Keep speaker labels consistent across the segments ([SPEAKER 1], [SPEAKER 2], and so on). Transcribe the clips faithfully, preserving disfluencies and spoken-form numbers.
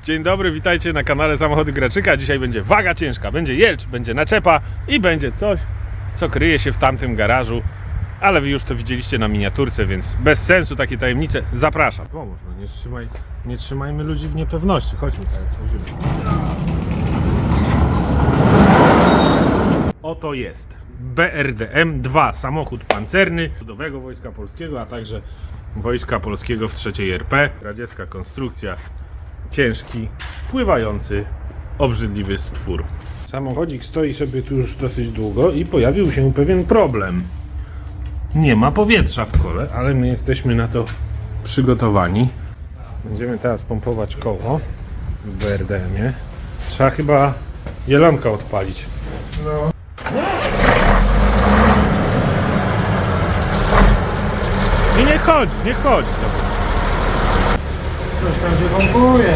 [SPEAKER 1] Dzień dobry, witajcie na kanale Samochody Graczyka. Dzisiaj będzie waga ciężka, będzie jelcz, będzie naczepa i będzie coś, co kryje się w tamtym garażu. Ale wy już to widzieliście na miniaturce, więc bez sensu takie tajemnice. Zapraszam. Pomóż, no nie, trzymaj, nie trzymajmy ludzi w niepewności. Chodźmy tak, chodzimy. Oto jest B R D M dwa, samochód pancerny Ludowego Wojska Polskiego, a także Wojska Polskiego w trzeciej R P. Radziecka konstrukcja, ciężki, pływający, obrzydliwy stwór. Samochodzik stoi sobie tu już dosyć długo i pojawił się pewien problem. Nie ma powietrza w kole, ale my jesteśmy na to przygotowani. Będziemy teraz pompować koło w B R D M-ie. Trzeba chyba jelonka odpalić. No. I nie chodzi, nie chodzi sobie.
[SPEAKER 2] Coś tam się pompuje.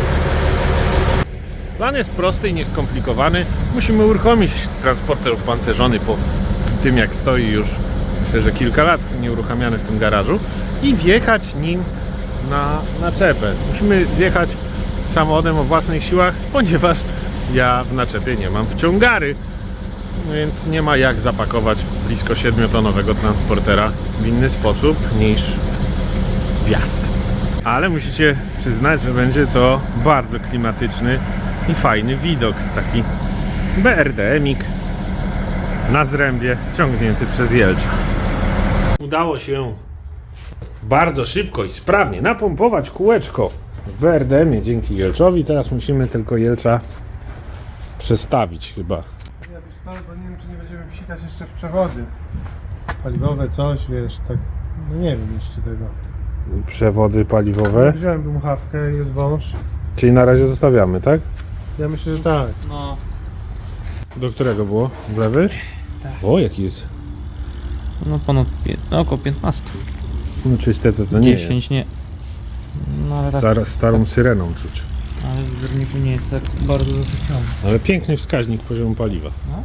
[SPEAKER 1] Plan jest prosty i nieskomplikowany. Musimy uruchomić transporter opancerzony po tym, jak stoi już, myślę, że kilka lat nieuruchamiany w tym garażu i wjechać nim na naczepę. Musimy wjechać samochodem o własnych siłach, ponieważ ja w naczepie nie mam wciągary, więc nie ma jak zapakować blisko siedmiotonowego transportera w inny sposób niż wjazd. Ale musicie przyznać, że będzie to bardzo klimatyczny i fajny widok. Taki B R D M-ik na zrębie, ciągnięty przez jelcza. Udało się bardzo szybko i sprawnie napompować kółeczko w B R D M-ie dzięki jelczowi. Teraz musimy tylko jelcza przestawić chyba.
[SPEAKER 2] Ja wiesz co, bo nie wiem, czy nie będziemy psikać jeszcze w przewody paliwowe, coś, wiesz, tak, no nie wiem jeszcze tego.
[SPEAKER 1] Przewody paliwowe.
[SPEAKER 2] Wziąłem dmuchawkę, jest wąż.
[SPEAKER 1] Czyli na razie zostawiamy, tak?
[SPEAKER 2] Ja myślę, że tak.
[SPEAKER 3] No,
[SPEAKER 1] Do którego było? W lewy?
[SPEAKER 3] Tak.
[SPEAKER 1] O, jaki jest.
[SPEAKER 3] no ponad pię- no, około piętnaście.
[SPEAKER 1] No czyste to, to nie jest.
[SPEAKER 3] dziesięć nie. No ale tak,
[SPEAKER 1] Star, starą syreną czuć.
[SPEAKER 3] ale w zbiorniku nie jest tak bardzo zasypiony.
[SPEAKER 1] Ale piękny wskaźnik poziomu paliwa.
[SPEAKER 3] No.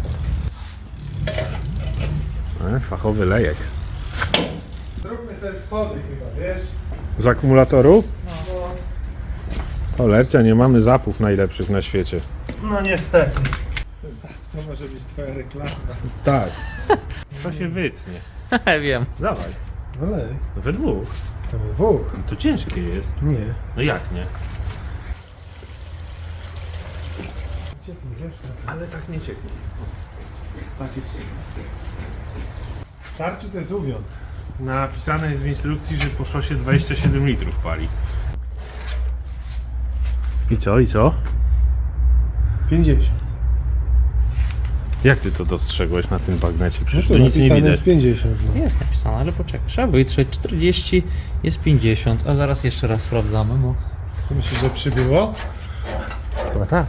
[SPEAKER 1] E, fachowy lejek.
[SPEAKER 2] Zróbmy sobie schody chyba, wiesz?
[SPEAKER 1] Z akumulatorów?
[SPEAKER 2] No,
[SPEAKER 1] Cholercia, nie mamy zapów najlepszych na świecie.
[SPEAKER 2] no niestety. To może być twoja reklama.
[SPEAKER 1] Tak. To się wytnie.
[SPEAKER 3] Wiem.
[SPEAKER 1] Dawaj.
[SPEAKER 2] Olej,
[SPEAKER 1] We dwóch.
[SPEAKER 2] to we dwóch.
[SPEAKER 1] To ciężkie jest.
[SPEAKER 2] Nie.
[SPEAKER 1] No jak nie?
[SPEAKER 2] Ciepło, wiesz?
[SPEAKER 1] Ale tak nie cieknie. Tak jest.
[SPEAKER 2] Starczy to jest uwion.
[SPEAKER 1] Napisane jest w instrukcji, że po szosie dwadzieścia siedem litrów pali. I co, i co?
[SPEAKER 2] pięćdziesiąt.
[SPEAKER 1] Jak ty to dostrzegłeś na tym bagnecie?
[SPEAKER 2] No
[SPEAKER 1] Przecież
[SPEAKER 2] to
[SPEAKER 1] to nic nie
[SPEAKER 2] napisane
[SPEAKER 1] widać.
[SPEAKER 2] jest pięćdziesiąt. No.
[SPEAKER 3] Jest napisane, ale poczekaj. Trzeba wytrzeć czterdzieści, jest pięćdziesiąt, a zaraz jeszcze raz sprawdzamy, bo...
[SPEAKER 2] To myślisz, że przybyło?
[SPEAKER 3] Chyba tak.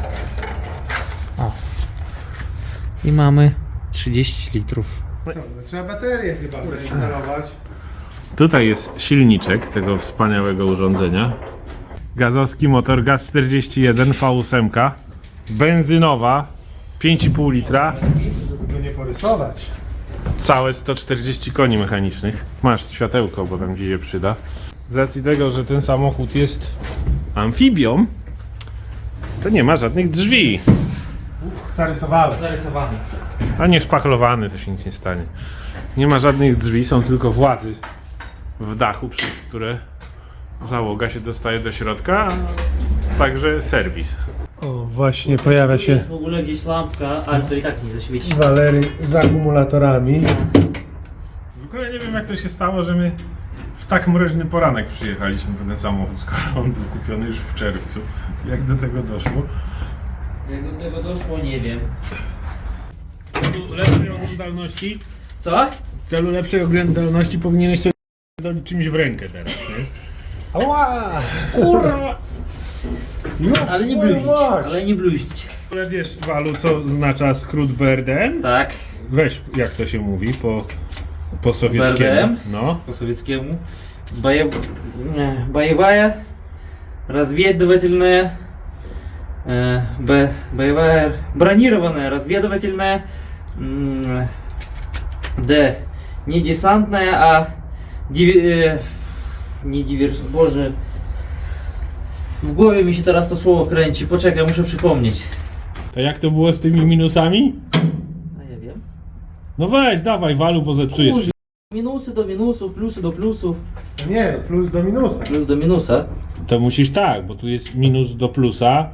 [SPEAKER 3] O. I mamy trzydzieści litrów.
[SPEAKER 2] Co, no trzeba baterię chyba zainstalować.
[SPEAKER 1] Tutaj jest silniczek tego wspaniałego urządzenia. Gazowski motor Gaz czterdzieści jeden V osiem, benzynowa, pięć i pół litra,
[SPEAKER 2] Żeby go nie porysować.
[SPEAKER 1] całe sto czterdzieści koni mechanicznych. Masz światełko, bo tam ci się przyda. Z racji tego, że ten samochód jest amfibią, to nie ma żadnych drzwi.
[SPEAKER 2] Zarysowałeś.
[SPEAKER 3] Zarysowany już.
[SPEAKER 1] A nie szpachlowany, to się nic nie stanie. Nie ma żadnych drzwi, są tylko włazy w dachu, przez które załoga się dostaje do środka, a także serwis.
[SPEAKER 2] O, właśnie pojawia się
[SPEAKER 3] Jest w ogóle gdzieś lampka, ale to i tak nie zaświeci.
[SPEAKER 2] Walery z akumulatorami.
[SPEAKER 1] W ogóle nie wiem, jak to się stało, że my w tak mroźny poranek przyjechaliśmy po ten samochód, skoro on był kupiony już w czerwcu. Jak do tego doszło?
[SPEAKER 3] Jak do tego doszło, nie wiem.
[SPEAKER 1] W celu lepszej oglądalności,
[SPEAKER 3] Co?
[SPEAKER 1] w celu lepszej oglądalności powinieneś sobie dolić czymś w rękę teraz, nie?
[SPEAKER 2] Ała!
[SPEAKER 3] Kurwa!
[SPEAKER 2] No,
[SPEAKER 3] Ale nie
[SPEAKER 2] kurwa,
[SPEAKER 3] bluźnić,
[SPEAKER 2] mać.
[SPEAKER 3] ale nie bluźnić.
[SPEAKER 1] Ale wiesz, Walu, co oznacza skrót B R D M?
[SPEAKER 3] Tak.
[SPEAKER 1] Weź, jak to się mówi po, po sowieckiemu.
[SPEAKER 3] B R D M?
[SPEAKER 1] No.
[SPEAKER 3] По советскому. Боев... э, Боевая, разведывательная, э, б... боевая, бронированная, разведывательная, м, Д. Не десантная, а диви... э, не диверс... Боже... W głowie mi się teraz to słowo kręci. Poczekaj, muszę przypomnieć.
[SPEAKER 1] To jak to było z tymi minusami?
[SPEAKER 3] A ja wiem.
[SPEAKER 1] No weź, dawaj, Walu, bo zepsujesz.
[SPEAKER 3] Kurde. Minusy do minusów, plusy do plusów.
[SPEAKER 2] No nie, no plus do minusa.
[SPEAKER 3] Plus do minusa.
[SPEAKER 1] To musisz tak, bo tu jest minus do plusa.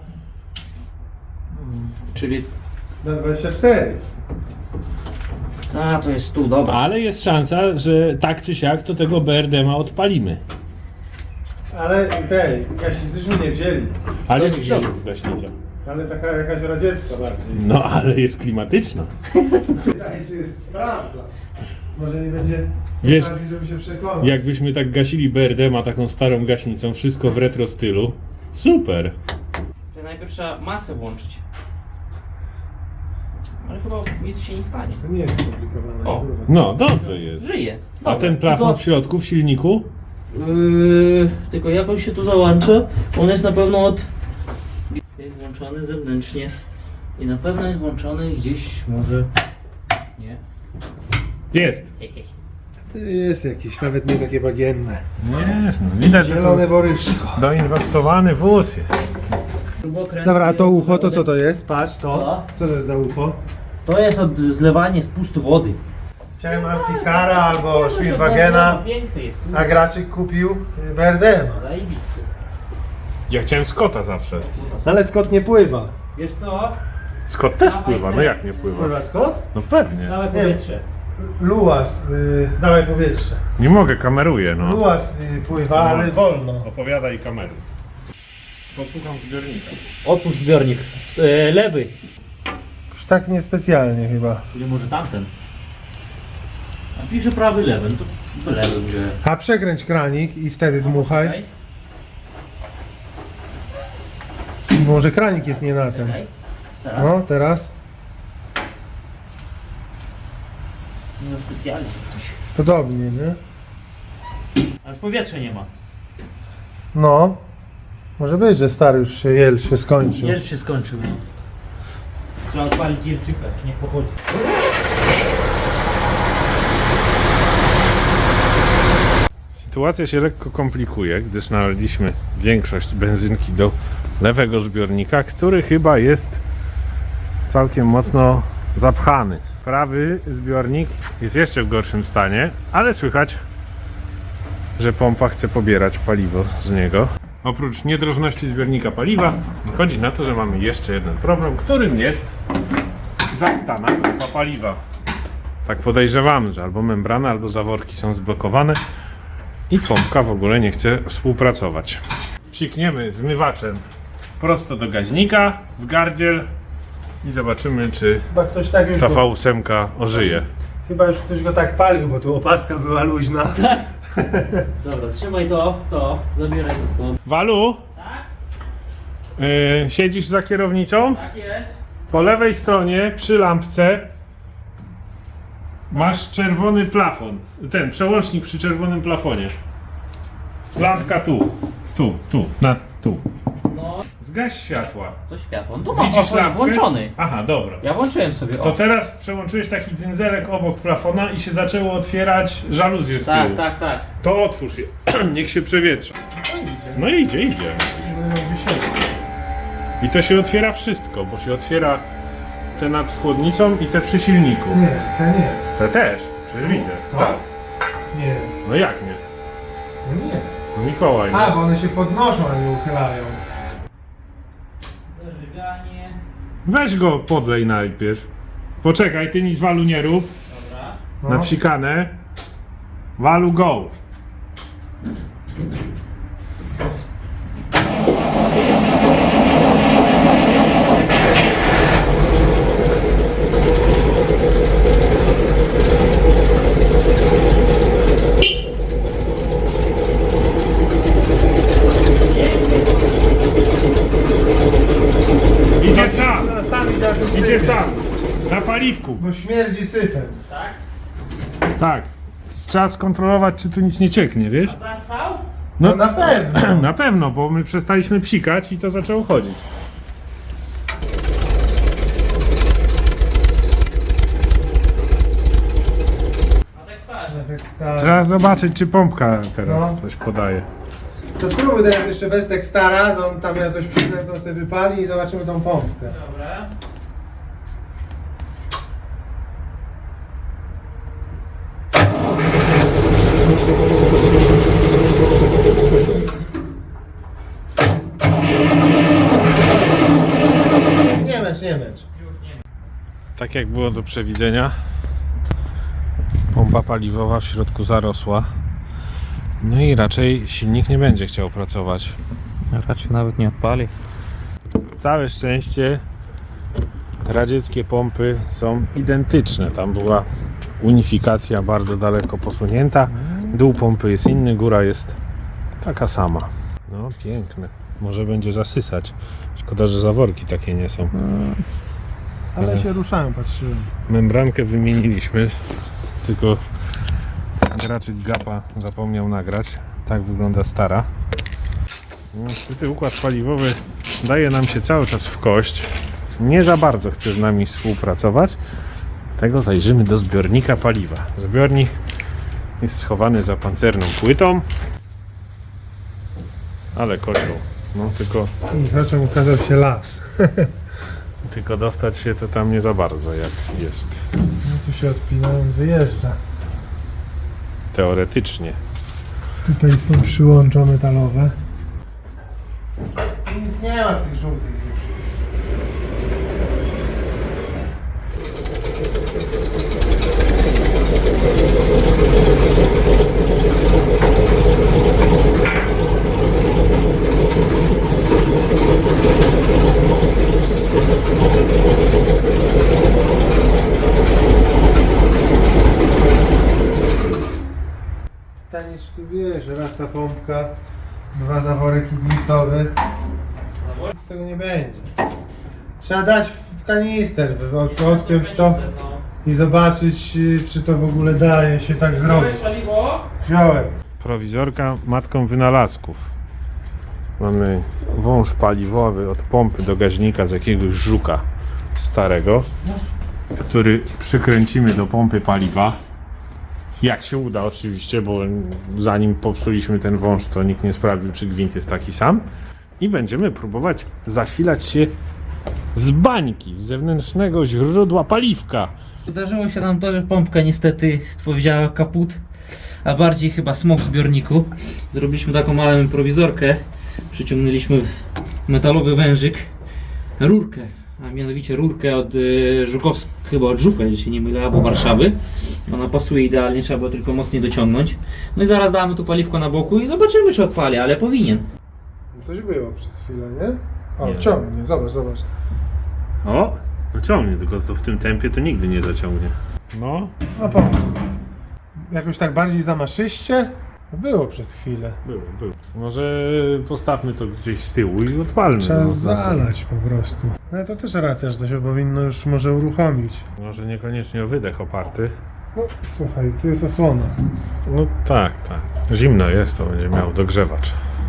[SPEAKER 3] Czyli...
[SPEAKER 2] Na dwadzieścia cztery.
[SPEAKER 3] A, to jest tu, dobra.
[SPEAKER 1] Ale jest szansa, że tak czy siak to tego B R D M-a odpalimy.
[SPEAKER 2] Ale tej, gaśnicyśmy nie wzięli.
[SPEAKER 1] Ale
[SPEAKER 3] Co
[SPEAKER 1] jest
[SPEAKER 3] jest
[SPEAKER 1] w środku
[SPEAKER 3] wziął?
[SPEAKER 1] gaśnica.
[SPEAKER 2] Ale taka jakaś radziecka bardziej.
[SPEAKER 1] No ale jest klimatyczna.
[SPEAKER 2] Wydaje się, że jest sprawna. Może nie będzie
[SPEAKER 1] Wiesz,
[SPEAKER 2] okazji, żeby się przekonać.
[SPEAKER 1] jakbyśmy tak gasili B R D M-a taką starą gaśnicą, wszystko w retro stylu. Super.
[SPEAKER 3] To najpierw trzeba masę włączyć. Ale chyba nic się nie stanie.
[SPEAKER 2] To nie jest skomplikowane.
[SPEAKER 3] O.
[SPEAKER 2] kurwa.
[SPEAKER 1] No, dobrze jest.
[SPEAKER 3] Żyje.
[SPEAKER 1] A
[SPEAKER 3] Dobra,
[SPEAKER 1] ten plafon
[SPEAKER 3] tylko-
[SPEAKER 1] w środku, w silniku?
[SPEAKER 3] Yy, tylko jak on się tu załącza, on jest na pewno od... Jest włączony zewnętrznie. I na pewno jest włączony gdzieś może... Nie.
[SPEAKER 1] Jest.
[SPEAKER 2] To jest jakieś, nawet nie takie bagienne.
[SPEAKER 1] Jest, no widać, że
[SPEAKER 2] Zielone
[SPEAKER 1] to
[SPEAKER 2] boryszko.
[SPEAKER 1] doinwestowany wóz jest.
[SPEAKER 2] Dobra, a to ucho, to co to jest? Patrz, to.
[SPEAKER 3] Co?
[SPEAKER 2] Co to jest za ucho?
[SPEAKER 3] To jest od zlewania spustu wody.
[SPEAKER 2] Chciałem Amfikara albo Schwinwagena,
[SPEAKER 3] Piękny jest.
[SPEAKER 2] a Graczyk kupił B R D M.
[SPEAKER 3] Zajebisty.
[SPEAKER 1] Ja chciałem Scotta zawsze.
[SPEAKER 2] Ale Scott nie pływa.
[SPEAKER 3] Wiesz co?
[SPEAKER 1] Scott też pływa, no jak nie pływa?
[SPEAKER 2] Pływa Scott?
[SPEAKER 1] No pewnie.
[SPEAKER 3] Całe
[SPEAKER 2] Nie.
[SPEAKER 3] powietrze.
[SPEAKER 2] Luas, y, dawaj powietrze.
[SPEAKER 1] Nie mogę, kameruję, no.
[SPEAKER 2] Luas y, pływa, ale wolno.
[SPEAKER 1] Opowiadaj kamery. Posłucham zbiornika.
[SPEAKER 3] Otwórz zbiornik. E, lewy.
[SPEAKER 2] Już tak niespecjalnie chyba.
[SPEAKER 3] Czyli może tamten. A pisze prawy, lewy. No to lewy wziąłem.
[SPEAKER 2] A przekręć kranik i wtedy dmuchaj.
[SPEAKER 3] Czekaj,
[SPEAKER 2] Może kranik jest nie na ten.
[SPEAKER 3] czekaj. Teraz.
[SPEAKER 2] No, teraz.
[SPEAKER 3] No specjalnie coś.
[SPEAKER 2] Podobnie, nie?
[SPEAKER 3] Ale powietrza nie ma.
[SPEAKER 2] No. Może być, że stary już się jel się skończył.
[SPEAKER 3] Jelcz się skończył. No. Trzeba odpalić jelczyka, niech pochodzi.
[SPEAKER 1] Sytuacja się lekko komplikuje, gdyż nalaliśmy większość benzynki do lewego zbiornika, który chyba jest całkiem mocno zapchany. Prawy zbiornik jest jeszcze w gorszym stanie, ale słychać, że pompa chce pobierać paliwo z niego. Oprócz niedrożności zbiornika paliwa, wychodzi na to, że mamy jeszcze jeden problem, którym jest zastana pompa paliwa. Tak podejrzewamy, że albo membrana, albo zaworki są zblokowane i pompka w ogóle nie chce współpracować. Psikniemy zmywaczem prosto do gaźnika w gardziel i zobaczymy, czy
[SPEAKER 2] Chyba ktoś tak już
[SPEAKER 1] ta
[SPEAKER 2] go,
[SPEAKER 1] V osiem ożyje.
[SPEAKER 2] chyba już ktoś go tak palił, bo tu opaska była luźna.
[SPEAKER 3] Dobra, trzymaj to, to. Zabieraj to stąd.
[SPEAKER 1] Walu? Yy, siedzisz za kierownicą?
[SPEAKER 3] Tak jest.
[SPEAKER 1] Po lewej stronie przy lampce masz czerwony plafon. Ten przełącznik przy czerwonym plafonie. Lampka tu. Tu, tu, na tu.
[SPEAKER 3] No,
[SPEAKER 1] Zgaś światła.
[SPEAKER 3] to światło. No tu mam
[SPEAKER 1] Widzisz
[SPEAKER 3] o,
[SPEAKER 1] lampkę?
[SPEAKER 3] włączony.
[SPEAKER 1] Aha, dobra.
[SPEAKER 3] Ja włączyłem sobie.
[SPEAKER 1] To
[SPEAKER 3] O.
[SPEAKER 1] teraz przełączyłeś taki dzynzelek obok plafona i się zaczęło otwierać żaluzje z tyłu.
[SPEAKER 3] Tak, tak, tak.
[SPEAKER 1] To otwórz je. Niech się przewietrza. No idzie, idzie. I to się otwiera wszystko, bo się otwiera te nad chłodnicą i te przy silniku.
[SPEAKER 2] Nie, to nie.
[SPEAKER 1] Te też, przecież widzę. Tak.
[SPEAKER 2] Nie.
[SPEAKER 1] No jak nie?
[SPEAKER 2] No nie.
[SPEAKER 1] No Mikołaj.
[SPEAKER 2] A, bo one się podnoszą, a nie uchylają.
[SPEAKER 3] Zażyganie.
[SPEAKER 1] Weź go podlej najpierw. Poczekaj, ty nic Walu nie rób.
[SPEAKER 3] Dobra.
[SPEAKER 2] No.
[SPEAKER 1] Na psikanę. Walu go. Idzie sam,
[SPEAKER 2] No, sam idzie na tym
[SPEAKER 1] idzie
[SPEAKER 2] syfie,
[SPEAKER 1] sam. Na paliwku.
[SPEAKER 2] bo śmierdzi syfem.
[SPEAKER 1] Tak. Trzeba skontrolować, czy tu nic nie cieknie, wiesz?
[SPEAKER 3] Zasał?
[SPEAKER 2] No,
[SPEAKER 1] No
[SPEAKER 2] na pewno.
[SPEAKER 1] na pewno, bo my przestaliśmy psikać i to zaczęło chodzić.
[SPEAKER 3] A tak starzy.
[SPEAKER 2] No, tak stary.
[SPEAKER 1] Trzeba zobaczyć, czy pompka teraz
[SPEAKER 2] No.
[SPEAKER 1] coś podaje.
[SPEAKER 2] To spróbuj teraz jeszcze bez tekstara, to on tam ja coś przykrętą sobie wypali i zobaczymy tą pompkę.
[SPEAKER 3] Dobra.
[SPEAKER 2] Nie męcz, nie męcz.
[SPEAKER 1] Tak jak było do przewidzenia, pompa paliwowa w środku zarosła. No i raczej silnik nie będzie chciał pracować.
[SPEAKER 3] Raczej nawet nie odpali.
[SPEAKER 1] Całe szczęście radzieckie pompy są identyczne. Tam była unifikacja bardzo daleko posunięta. Dół pompy jest inny, góra jest taka sama. No piękne. Może będzie zasysać. Szkoda, że zaworki takie nie są.
[SPEAKER 2] Ale się ruszają, patrzyłem.
[SPEAKER 1] Membrankę wymieniliśmy, tylko graczyk gapa zapomniał nagrać. Tak wygląda stara. Niestety układ paliwowy daje nam się cały czas w kość. Nie za bardzo chce z nami współpracować. Tego zajrzymy do zbiornika paliwa. Zbiornik jest schowany za pancerną płytą, ale kocioł. No tylko,
[SPEAKER 2] I raczej ukazał się las.
[SPEAKER 1] tylko dostać się to tam nie za bardzo jak jest.
[SPEAKER 2] No tu się odpina, on wyjeżdża.
[SPEAKER 1] Teoretycznie.
[SPEAKER 2] Tutaj są przyłącza metalowe. Nic nie ma w tych żółtych już. Pytanie, czy tu wiesz, raz ta pompka, dwa zaworek ignisowy. Z tego nie będzie. Trzeba dać w kanister, wy- od- odpiąć to i zobaczyć, y, czy to w ogóle daje się tak zrobić. Wziąłem.
[SPEAKER 1] Prowizorka matką wynalazków. Mamy wąż paliwowy od pompy do gaźnika z jakiegoś żuka starego, który przykręcimy do pompy paliwa. Jak się uda oczywiście, bo zanim popsuliśmy ten wąż, to nikt nie sprawdził, czy gwint jest taki sam. I będziemy próbować zasilać się z bańki, z zewnętrznego źródła paliwka.
[SPEAKER 3] Zdarzyło się nam to, że pompka niestety powiedziała kaput, a bardziej chyba smok w zbiorniku. Zrobiliśmy taką małą improwizorkę. Przyciągnęliśmy metalowy wężyk, rurkę, a mianowicie rurkę od y, Żukowsk, chyba od Żuka, jeśli się nie mylę, albo Warszawy. Ona pasuje idealnie, trzeba było tylko mocniej dociągnąć. No i zaraz damy tu paliwko na boku i zobaczymy, czy odpali, ale powinien.
[SPEAKER 2] Coś było przez chwilę, nie? O,
[SPEAKER 1] Nie.
[SPEAKER 2] ciągnie, zobacz, zobacz.
[SPEAKER 1] O, no ciągnie, tylko to w tym tempie to nigdy nie zaciągnie. No,
[SPEAKER 2] No po. Jakoś tak bardziej zamaszyście? Było przez chwilę.
[SPEAKER 1] było, było. Może postawmy to gdzieś z tyłu i odpalmy.
[SPEAKER 2] Trzeba
[SPEAKER 1] no.
[SPEAKER 2] zalać po prostu. No to też racja, że to się powinno już może uruchomić.
[SPEAKER 1] Może niekoniecznie o wydech oparty.
[SPEAKER 2] No słuchaj, tu jest osłona.
[SPEAKER 1] No tak, tak. Zimno jest, to będzie miał dogrzewacz.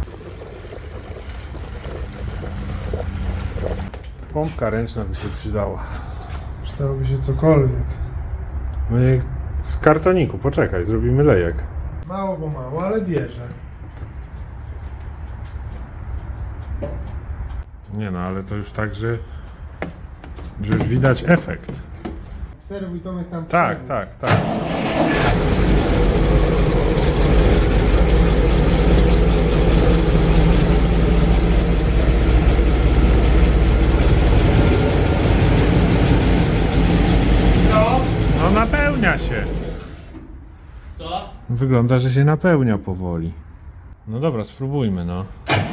[SPEAKER 1] Pompka ręczna by się przydała.
[SPEAKER 2] Przydałoby się cokolwiek.
[SPEAKER 1] My z kartoniku, poczekaj, zrobimy lejek.
[SPEAKER 2] Mało bo mało, ale bierze.
[SPEAKER 1] Nie no, ale to już tak, że, że już widać efekt.
[SPEAKER 2] Obserwuj Tomek tam
[SPEAKER 1] Tak,
[SPEAKER 2] przegód.
[SPEAKER 1] tak, tak.
[SPEAKER 2] Co?
[SPEAKER 1] No napełnia się.
[SPEAKER 3] Co?
[SPEAKER 1] Wygląda, że się napełnia powoli. No dobra, spróbujmy no.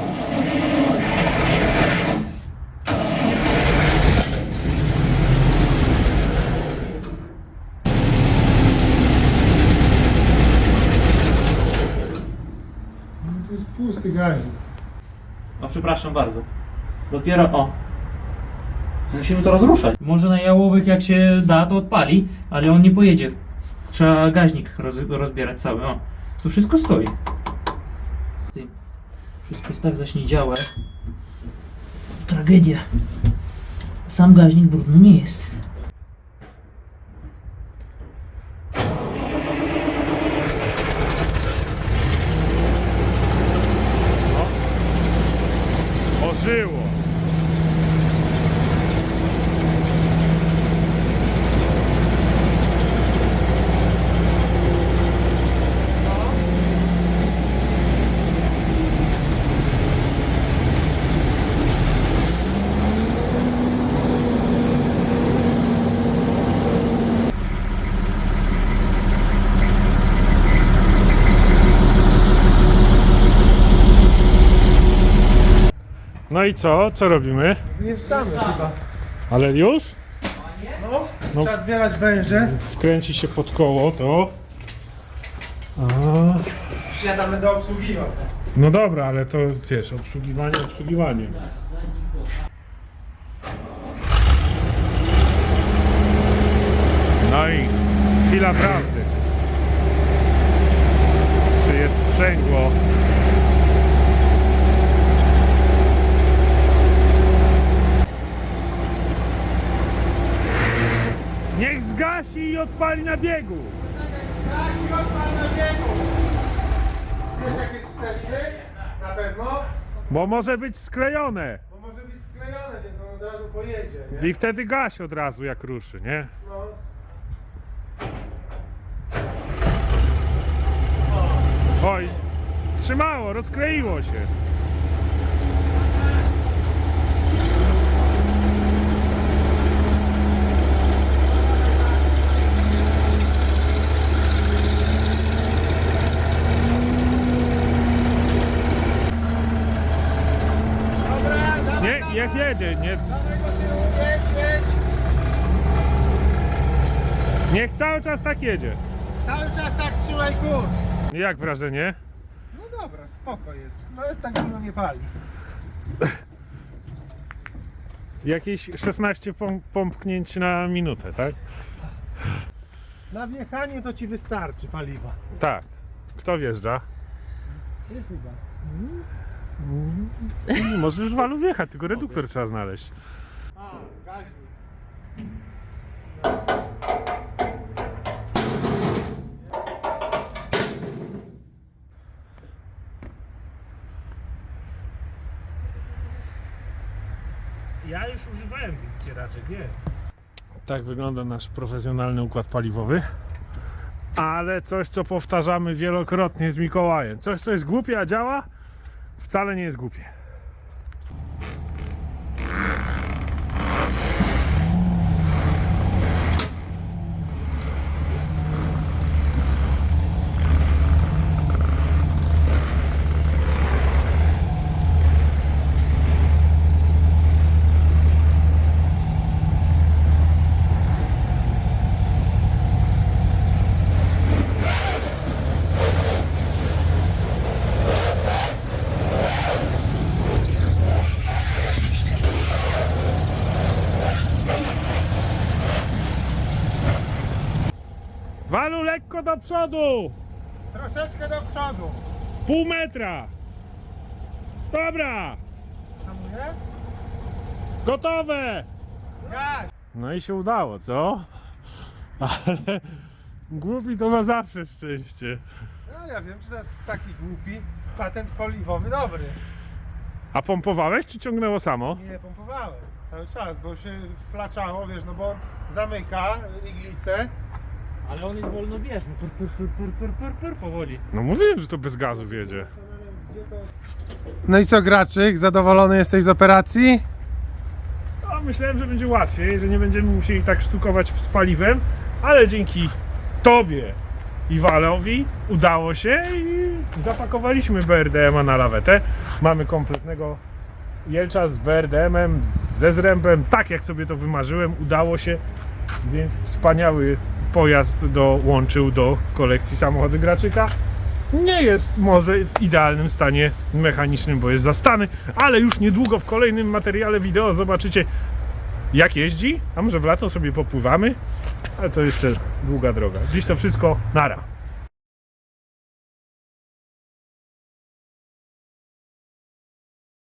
[SPEAKER 2] No to jest pusty gazik.
[SPEAKER 3] O, przepraszam bardzo. Dopiero o. Musimy to rozruszać. Może na jałowych jak się da, to odpali, ale on nie pojedzie. Trzeba gaźnik roz, rozbierać cały. O, tu wszystko stoi. Ty, wszystko jest tak zaśniedziałe. Tragedia. Sam gaźnik brudny nie jest.
[SPEAKER 1] było. No i co? Co robimy?
[SPEAKER 2] Wyjeżdżamy chyba.
[SPEAKER 1] Ale już?
[SPEAKER 2] No,
[SPEAKER 1] No.
[SPEAKER 2] trzeba zbierać węże.
[SPEAKER 1] Wkręci się pod koło to. A,
[SPEAKER 2] Przyjadamy do obsługiwania.
[SPEAKER 1] no dobra, ale to wiesz, obsługiwanie, obsługiwanie. No i chwila prawdy. Czy jest sprzęgło? Niech zgasi i odpali na biegu.
[SPEAKER 2] Wiesz jak jest wsteczny? Na pewno?
[SPEAKER 1] Bo może być sklejone.
[SPEAKER 2] Bo może być sklejone, więc on od razu pojedzie, nie?
[SPEAKER 1] I wtedy gaś od razu jak ruszy, nie?
[SPEAKER 2] No.
[SPEAKER 1] Oj, trzymało, rozkleiło się. Nie, niech jedzie, nie,
[SPEAKER 2] Jedź, jedź.
[SPEAKER 1] niech cały czas tak jedzie.
[SPEAKER 2] Cały czas tak trzymaj kurs.
[SPEAKER 1] Jak wrażenie?
[SPEAKER 2] No dobra, spoko jest. No tak dużo nie pali.
[SPEAKER 1] Jakieś szesnaście pom- pompknięć na minutę, tak?
[SPEAKER 2] Na wjechanie to ci wystarczy paliwa.
[SPEAKER 1] Tak. Kto wjeżdża?
[SPEAKER 2] Nie chyba.
[SPEAKER 1] Nie możesz już walu wjechać, tylko reduktor trzeba znaleźć.
[SPEAKER 2] A, gaźnik.
[SPEAKER 1] Ja już używałem tych wcieraczek, nie? Tak wygląda nasz profesjonalny układ paliwowy. Ale coś, co powtarzamy wielokrotnie z Mikołajem. Coś, co jest głupie, a działa, wcale nie jest głupie. Walu lekko do przodu!
[SPEAKER 2] Troszeczkę do przodu.
[SPEAKER 1] Pół metra! Dobra!
[SPEAKER 2] Hamuje?
[SPEAKER 1] Gotowe!
[SPEAKER 2] Gaś.
[SPEAKER 1] No i się udało, co? Ale głupi to ma zawsze szczęście.
[SPEAKER 2] No ja wiem, że taki głupi patent paliwowy dobry.
[SPEAKER 1] A pompowałeś, czy ciągnęło samo?
[SPEAKER 2] Nie pompowałem cały czas, bo się flaczało, wiesz, no bo zamyka iglicę.
[SPEAKER 3] Ale on jest wolnobieżny, pur, pur, pur, pur, pur, pur, pur, powoli.
[SPEAKER 1] No mówiłem, że to bez gazu wiedzie.
[SPEAKER 2] No i co, Graczyk, zadowolony jesteś z operacji?
[SPEAKER 1] No, myślałem, że będzie łatwiej, że nie będziemy musieli tak sztukować z paliwem, ale dzięki Tobie i Walowi udało się i zapakowaliśmy B R D M-a na lawetę. Mamy kompletnego Jelcza z B R D M-em, ze zrębem, tak jak sobie to wymarzyłem, udało się, więc wspaniały pojazd dołączył do kolekcji samochody Graczyka. Nie jest może w idealnym stanie mechanicznym, bo jest zastany, ale już niedługo w kolejnym materiale wideo zobaczycie, jak jeździ, a może w lato sobie popływamy, ale to jeszcze długa droga. Dziś to wszystko, nara.